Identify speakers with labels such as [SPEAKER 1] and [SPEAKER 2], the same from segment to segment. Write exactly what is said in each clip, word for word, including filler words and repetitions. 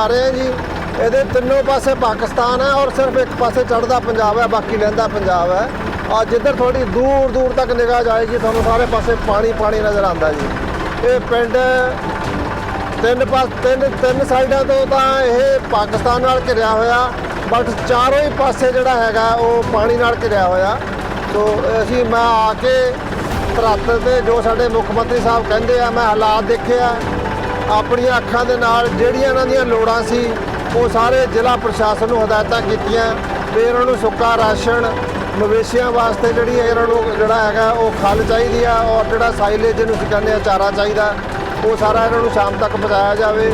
[SPEAKER 1] ਆ ਰਹੇ ਹਾਂ ਜੀ। ਇਹਦੇ ਤਿੰਨੋਂ ਪਾਸੇ ਪਾਕਿਸਤਾਨ ਹੈ ਔਰ ਸਿਰਫ ਇੱਕ ਪਾਸੇ ਚੜ੍ਹਦਾ ਪੰਜਾਬ ਹੈ, ਬਾਕੀ ਲਹਿੰਦਾ ਪੰਜਾਬ ਹੈ। ਆ ਜਿੱਧਰ ਥੋੜੀ ਦੂਰ ਦੂਰ ਤੱਕ ਨਿਗਾਹ ਜਾਏਗੀ ਤੁਹਾਨੂੰ ਸਾਰੇ ਪਾਸੇ ਪਾਣੀ ਪਾਣੀ ਨਜ਼ਰ ਆਉਂਦਾ ਜੀ। ਇਹ ਪਿੰਡ ਤਿੰਨ ਪਾਸ ਤਿੰਨ ਤਿੰਨ ਸਾਈਡਾਂ ਤੋਂ ਤਾਂ ਇਹ ਪਾਕਿਸਤਾਨ ਨਾਲ ਘਿਰਿਆ ਹੋਇਆ, ਬਟ ਚਾਰੋਂ ਹੀ ਪਾਸੇ ਜਿਹੜਾ ਹੈਗਾ ਉਹ ਪਾਣੀ ਨਾਲ ਘਿਰਿਆ ਹੋਇਆ। ਸੋ ਅਸੀਂ ਮੈਂ ਆ ਕੇ ਧਰਤ 'ਤੇ ਜੋ ਸਾਡੇ ਮੁੱਖ ਮੰਤਰੀ ਸਾਹਿਬ ਕਹਿੰਦੇ ਆ, ਮੈਂ ਹਾਲਾਤ ਦੇਖੇ ਆ ਆਪਣੀਆਂ ਅੱਖਾਂ ਦੇ ਨਾਲ। ਜਿਹੜੀਆਂ ਇਹਨਾਂ ਦੀਆਂ ਲੋੜਾਂ ਸੀ ਉਹ ਸਾਰੇ ਜ਼ਿਲ੍ਹਾ ਪ੍ਰਸ਼ਾਸਨ ਨੂੰ ਹਦਾਇਤਾਂ ਕੀਤੀਆਂ ਵੀ ਇਹਨਾਂ ਨੂੰ ਸੁੱਕਾ ਰਾਸ਼ਨ, ਮਵੇਸ਼ੀਆਂ ਵਾਸਤੇ ਜਿਹੜੀ ਇਹਨਾਂ ਨੂੰ ਜਿਹੜਾ ਹੈਗਾ ਉਹ ਖਲ ਚਾਹੀਦੀ ਆ, ਔਰ ਜਿਹੜਾ ਸਾਈਲੇਜ ਜਿਹਨੂੰ ਅਸੀਂ ਕਹਿੰਦੇ ਆ ਚਾਰਾ ਚਾਹੀਦਾ, ਉਹ ਸਾਰਾ ਇਹਨਾਂ ਨੂੰ ਸ਼ਾਮ ਤੱਕ ਪਹੁੰਚਾਇਆ ਜਾਵੇ।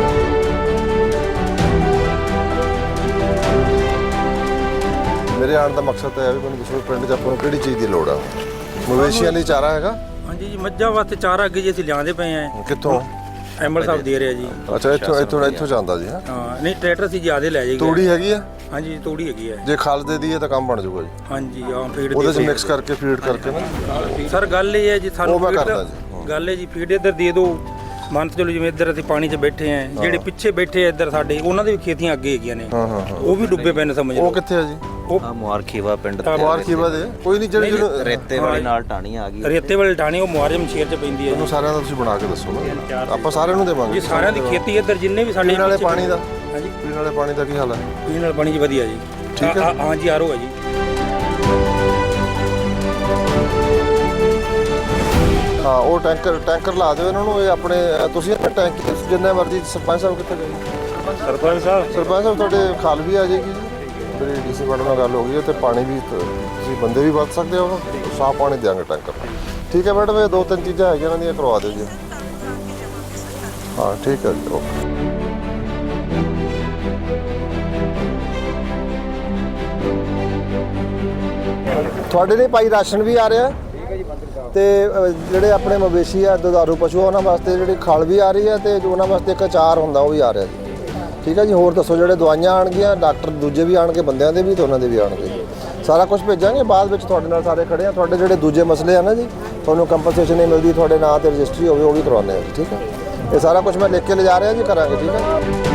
[SPEAKER 1] ਮੇਰੇ ਆਉਣ ਦਾ ਮਕਸਦ ਤਾਂ ਇਹ ਵੀ ਮੈਨੂੰ ਦੱਸੋ ਪਿੰਡ 'ਚ ਆਪਾਂ ਨੂੰ ਕਿਹੜੀ ਚੀਜ਼ ਦੀ ਲੋੜ ਆ? ਮਵੇਸ਼ੀਆਂ ਲਈ ਚਾਰਾ ਹੈਗਾ?
[SPEAKER 2] ਹਾਂਜੀ ਜੀ, ਮੱਝਾਂ ਵਾਸਤੇ ਚਾਰਾ ਅੱਗੇ ਜੀ ਅਸੀਂ ਲਿਆਂਦੇ ਪਏ ਆਂ।
[SPEAKER 1] ਕਿੱਥੋਂ?
[SPEAKER 2] ਐਮਐਲ ਸਾਹਿਬ ਦੇ ਰਿਹਾ ਜੀ।
[SPEAKER 1] ਅੱਛਾ, ਇੱਥੋਂ ਇੱਥੋਂ ਇੱਥੋਂ ਜਾਂਦਾ ਜੀ?
[SPEAKER 2] ਹਾਂ, ਨਹੀਂ ਟਰੈਕਟਰ ਸੀ ਜਿਆਦੇ ਲੈ ਜਾਏਗਾ।
[SPEAKER 1] ਤੂੜੀ ਹੈਗੀ ਆ?
[SPEAKER 2] ਹਾਂਜੀ, ਤੂੜੀ ਹੈਗੀ ਹੈ।
[SPEAKER 1] ਜੇ ਖਲ ਦੇ ਦਈਏ ਤਾਂ ਕੰਮ ਬਣ ਜਾਊਗਾ ਜੀ?
[SPEAKER 2] ਹਾਂਜੀ, ਹਾਂ ਫੀਡ
[SPEAKER 1] ਉਹਦੇ 'ਚ ਮਿਕਸ ਕਰਕੇ ਫੀਡ ਕਰਕੇ ਨਾ।
[SPEAKER 2] ਸਰ ਗੱਲ ਇਹ ਹੈ ਜੀ, ਸਾਨੂੰ
[SPEAKER 1] ਉਹ ਮੈਂ ਕਰਦਾ ਜੀ।
[SPEAKER 2] ਗੱਲ ਹੈ ਜੀ, ਫੀਡ ਇੱਧਰ ਦੇ ਦਿਓ। ਮੰਨ ਚਲੋ ਜਿਵੇਂ ਇੱਧਰ ਅਸੀਂ ਪਾਣੀ 'ਚ ਬੈਠੇ ਆਂ, ਜਿਹੜੇ ਪਿੱਛੇ ਬੈਠੇ ਆ ਇੱਧਰ ਸਾਡੇ, ਉਹਨਾਂ ਦੀ ਵੀ ਖੇਤੀਆਂ ਅੱਗੇ ਹੈਗੀਆਂ ਨੇ,
[SPEAKER 1] ਹਾਂ ਹਾਂ
[SPEAKER 2] ਉਹ ਵੀ ਡੁੱਬੇ ਪਏ ਨੇ ਸਮਝ ਲਓ।
[SPEAKER 1] ਉਹ ਕਿੱਥੇ ਆ ਜੀ?
[SPEAKER 2] ਉਹ
[SPEAKER 3] ਮੁਆਰਖੀਵਾ ਪਿੰਡ ਤੇ
[SPEAKER 1] ਮੁਆਰਖੀਵਾ ਦੇ ਕੋਈ ਨਹੀਂ, ਜਿਹੜੇ ਜਿਹਨੂੰ
[SPEAKER 3] ਰੇਤੇ ਵਾਲੇ ਨਾਲ ਟਾਣੀ ਆ ਗਈ।
[SPEAKER 2] ਰੇਤੇ ਵਾਲੇ ਟਾਣੀ ਉਹ ਮੁਆਰਜਮ ਸ਼ੇਰ 'ਚ ਪੈਂਦੀ ਹੈ।
[SPEAKER 1] ਉਹਨੂੰ ਸਾਰਿਆਂ ਦਾ ਤੁਸੀਂ ਬਣਾ ਕੇ ਦੱਸੋ ਨਾ, ਆਪਾਂ ਸਾਰਿਆਂ ਨੂੰ ਦੇਵਾਂਗੇ
[SPEAKER 2] ਜੀ। ਸਾਰਿਆਂ ਦੀ ਖੇਤੀ ਇੱਧਰ ਜਿੰਨੇ ਵੀ ਸਾਡੇ
[SPEAKER 1] ਪੀਣ ਵਾਲੇ ਪਾਣੀ ਦਾ।
[SPEAKER 2] ਹਾਂਜੀ,
[SPEAKER 1] ਪੀਣ ਵਾਲੇ ਪਾਣੀ ਦਾ ਕੀ ਹਾਲ ਹੈ?
[SPEAKER 2] ਪੀਣ ਵਾਲੇ ਪਾਣੀ ਜੀ ਵਧੀਆ ਜੀ।
[SPEAKER 1] ਠੀਕ ਹੈ।
[SPEAKER 2] ਹਾਂਜੀ, ਆਰੋ ਹੈ ਜੀ।
[SPEAKER 1] ਹਾਂ, ਉਹ ਟੈਂਕਰ ਟੈਂਕਰ ਲਾ ਦਿਓ ਇਹਨਾਂ ਨੂੰ। ਇਹ ਆਪਣੇ ਤੁਸੀਂ ਆਪਣੇ ਟੈਂਕ ਜਿੰਨੇ ਮਰਜ਼ੀ। ਸਰਪੰਚ ਸਾਹਿਬ ਕਿੱਥੇ ਗਏ?
[SPEAKER 2] ਸਰਪੰਚ ਸਾਹਿਬ
[SPEAKER 1] ਸਰਪੰਚ ਸਾਹਿਬ ਤੁਹਾਡੇ ਖਾਲ ਵੀ ਆ ਜਾਏਗੀ ਜੀ। ਮੇਰੀ ਡੀਸੀ ਮੈਡਮ ਨਾਲ ਗੱਲ ਹੋ ਗਈ ਹੈ ਤੇ ਪਾਣੀ ਵੀ ਤੁਸੀਂ ਬੰਦੇ ਵੀ ਵਰਤ ਸਕਦੇ ਹੋ, ਸਾਫ਼ ਪਾਣੀ ਦਿਆਂਗੇ ਟੈਂਕਰ। ਠੀਕ ਹੈ ਮੈਡਮ, ਇਹ ਦੋ ਤਿੰਨ ਚੀਜ਼ਾਂ ਹੈਗੀਆਂ ਇਹਨਾਂ ਦੀਆਂ ਕਰਵਾ ਦਿਓ ਜੀ। ਹਾਂ ਠੀਕ ਹੈ ਜੀ, ਓਕੇ। ਤੁਹਾਡੇ ਲਈ ਭਾਈ ਰਾਸ਼ਨ ਵੀ ਆ ਰਿਹਾ ਤੇ ਜਿਹੜੇ ਆਪਣੇ ਮਵੇਸ਼ੀ ਆ ਦੁਧਾਰੂ ਪਸ਼ੂ ਉਹਨਾਂ ਵਾਸਤੇ ਜਿਹੜੀ ਖਲ ਵੀ ਆ ਰਹੀ ਹੈ ਤੇ ਉਹਨਾਂ ਵਾਸਤੇ ਇੱਕ ਅਚਾਰ ਹੁੰਦਾ ਉਹ ਵੀ ਆ ਰਿਹਾ ਜੀ। ਠੀਕ ਹੈ ਜੀ। ਹੋਰ ਦੱਸੋ, ਜਿਹੜੇ ਦਵਾਈਆਂ ਆਉਣਗੀਆਂ, ਡਾਕਟਰ ਦੂਜੇ ਵੀ ਆਉਣਗੇ, ਬੰਦਿਆਂ ਦੇ ਵੀ ਤੇ ਉਹਨਾਂ ਦੇ ਵੀ ਆਉਣਗੇ, ਸਾਰਾ ਕੁਝ ਭੇਜਾਂਗੇ। ਬਾਅਦ ਵਿੱਚ ਤੁਹਾਡੇ ਨਾਲ ਸਾਰੇ ਖੜੇ ਆ। ਤੁਹਾਡੇ ਜਿਹੜੇ ਦੂਜੇ ਮਸਲੇ ਆ ਨਾ ਜੀ, ਤੁਹਾਨੂੰ ਕੰਪਨਸੇਸ਼ਨ ਨਹੀਂ ਮਿਲਦੀ, ਤੁਹਾਡੇ ਨਾਂ ਤੇ ਰਜਿਸਟਰੀ ਹੋਵੇ, ਉਹ ਵੀ ਕਰਵਾਉਂਦੇ ਆ ਜੀ। ਠੀਕ ਹੈ, ਇਹ ਸਾਰਾ ਕੁਝ ਮੈਂ ਲਿਖ ਕੇ ਲਿਜਾ ਰਿਹਾ ਜੀ, ਕਰਾਂਗੇ। ਠੀਕ ਹੈ।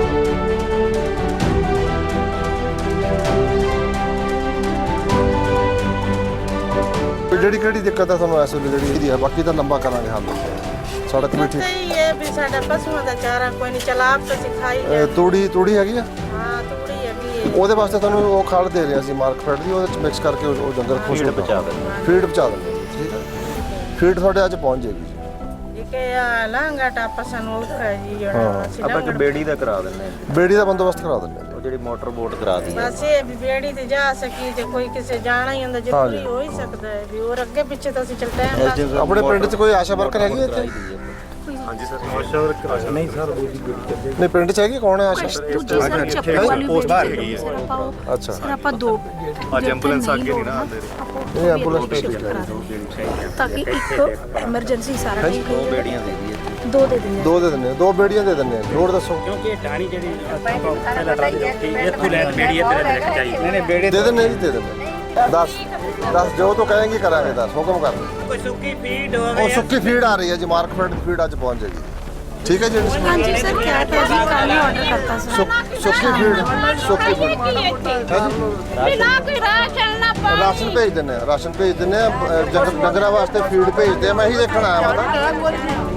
[SPEAKER 1] ਜਿਹੜੀ ਕਿਹੜੀ ਦਿੱਕਤ ਹੈ ਤੁਹਾਨੂੰ ਇਸ ਵੇਲੇ ਜਿਹੜੀ ਇਹਦੀ ਹੈ? ਬਾਕੀ ਤਾਂ ਲੰਬਾ ਕਰਾਂਗੇ ਹੱਲ। ਸੜਕ ਵੀ ਠੀਕ
[SPEAKER 4] ਹੈ ਵੀ ਸਾਡਾ ਪਸ਼ੂਆਂ ਦਾ ਚਾਰਾ ਕੋਈ ਨਹੀਂ ਚਲਾ ਆਪ ਤਾਂ ਸਿਖਾਈ ਜਾ।
[SPEAKER 1] ਤੂੜੀ ਤੂੜੀ ਹੈਗੀ ਆ?
[SPEAKER 4] ਹਾਂ, ਤੂੜੀ ਹੈਗੀ ਹੈ।
[SPEAKER 1] ਉਹਦੇ ਵਾਸਤੇ ਤੁਹਾਨੂੰ ਉਹ ਖਲ ਦੇ ਰਹੇ ਸੀ ਮਾਰਕਫੈਟ ਦੀ, ਉਹਦੇ ਵਿੱਚ ਮਿਕਸ ਕਰਕੇ ਉਹ ਡੰਗਰ ਖੁਸ਼ ਹੋ
[SPEAKER 3] ਪਹੁੰਚਾ ਦਿੰਦੇ।
[SPEAKER 1] ਫੀਡ ਪਹੁੰਚਾ ਦਿੰਦੇ। ਠੀਕ ਹੈ, ਫੀਡ ਤੁਹਾਡੇ ਅੱਜ ਪਹੁੰਚ ਜਾਏਗੀ ਜੀ।
[SPEAKER 4] ਕਿ ਆ ਲਾਂਗਾ ਟਾਪਾ ਸਾਨੂੰ ਔਖਾ ਜੀ ਜਿਹੜਾ ਅਸੀਂ
[SPEAKER 3] ਆਪਾਂ ਇੱਕ ਬੇੜੀ ਦਾ ਕਰਾ ਦਿੰਦੇ ਹਾਂ।
[SPEAKER 1] ਬੇੜੀ ਦਾ ਬੰਦੋਬਸਤ ਕਰਾ ਦਿੰਦੇ ਆ।
[SPEAKER 3] ਉਹ ਜਿਹੜੀ ਮੋਟਰ ਬੋਟ ਕਰਾ ਦੀ ਹੈ।
[SPEAKER 4] ਬਸ ਇਹ ਵੀ ਬੇੜੀ ਤੇ ਜਾ ਸਕੀ ਤੇ ਕੋਈ ਕਿਸੇ ਜਾਣਾ ਹੀ ਹੁੰਦਾ, ਜ਼ਰੂਰੀ ਹੋ ਹੀ ਸਕਦਾ ਹੈ ਵੀ ਹੋਰ ਅੱਗੇ ਪਿੱਛੇ ਤਾਂ ਅਸੀਂ ਚੱਲ ਟਾਈਮ ਲਾ।
[SPEAKER 1] ਆਪਣੇ ਪਿੰਡ 'ਚ ਕੋਈ ਆਸ਼ਾ ਵਰਕਰ ਹੈਗੀ ਇੱਥੇ?
[SPEAKER 5] ਹਾਂਜੀ ਸਰ, ਆਸ਼ਾ ਵਰਕਰ ਨਹੀਂ ਸਰ, ਦੂਜੀ ਬੇੜੀ
[SPEAKER 1] ਨਹੀਂ, ਪਿੰਡ 'ਚ ਹੈਗੀ? ਕੌਣ ਹੈ ਆਸ਼ਾ?
[SPEAKER 6] ਦੂਜੀ ਸਰ ਚੱਪਲ ਵਾਲੀ
[SPEAKER 5] ਪੋਸਟ ਬਾਹਰ ਹੈਗੀ ਹੈ।
[SPEAKER 6] ਸਰ ਆਪਾਂ ਉਹ
[SPEAKER 1] ਅੱਛਾ
[SPEAKER 6] ਸਰ ਆਪਾਂ ਦੋ
[SPEAKER 5] ਅੱਜ ਐਂਬੂਲੈਂਸ ਅੱਗੇ ਨਹੀਂ ਨਾ ਆਉਂਦੇ।
[SPEAKER 1] ਇਹ ਐਂਬੂਲੈਂਸ ਭੇਜ
[SPEAKER 6] ਤਾਂ ਕਿ ਇੱਕ ਐਮਰਜੈਂਸੀ ਸਾਰਾ ਠੀਕ
[SPEAKER 3] ਦੋ ਬੇੜੀਆਂ ਦੇ ਦੀ
[SPEAKER 6] ਦੋ ਦੇ ਦਿੰਦੇ
[SPEAKER 1] ਦੋ ਦੇ ਦਿੰਦੇ, ਦੋ ਬੇੜੀਆਂ ਦੇ ਦਿੰਦੇ। ਹੋਰ ਦੱਸੋ।
[SPEAKER 2] ਕਿਉਂਕਿ ਇਹ ਟਾਣੀ ਜਿਹੜੀ ਪਹਿਲਾਂ ਰਾਤ ਦੀ ਇੱਥੋਂ ਲੈ ਬੇੜੀ ਇੱਧਰ ਲੈ ਕੇ ਜਾਈ। ਨਹੀਂ ਨਹੀਂ ਬੇੜੇ
[SPEAKER 1] ਦੇ ਦਿੰਦੇ ਜੀ, ਦੇ ਦਿੰਦੇ। ਦਸ ਦਸ ਜੋ ਤੂੰ ਕਹੇਂਗੀ ਕਰਾਂਗੇ। ਦਸ ਹੁਕਮ ਕਰ।
[SPEAKER 2] ਕੋਈ ਸੁੱਕੀ ਫੀਡ
[SPEAKER 1] ਉਹ ਸੁੱਕੀ ਫੀਡ ਆ ਰਹੀ ਹੈ ਜੀ, ਮਾਰਕਫੈਟ ਦੀ ਫੀਡ ਅੱਜ ਪਹੁੰਚ ਜਾਏਗੀ। ਠੀਕ ਹੈ ਜੀ।
[SPEAKER 6] ਹਾਂਜੀ ਸਰ, ਕਿਹਾ ਤਾਂ ਜੀ ਕੱਲ ਹੀ ਆਰਡਰ ਕਰਤਾ ਸਰ।
[SPEAKER 1] ਸੁੱਕੀ ਫੀਡ, ਸੁੱਕੀ ਫੀਡ ਰਾਸ਼ਨ ਭੇਜ ਦਿੰਦੇ ਆ, ਰਾਸ਼ਨ ਭੇਜ ਦਿੰਦੇ ਆ। ਡੰਗਰਾਂ ਵਾਸਤੇ ਫੀਡ ਭੇਜਦੇ ਆ। ਮੈਂ ਇਹੀ ਦੇਖਣ ਆਇਆ ਹਾਂ।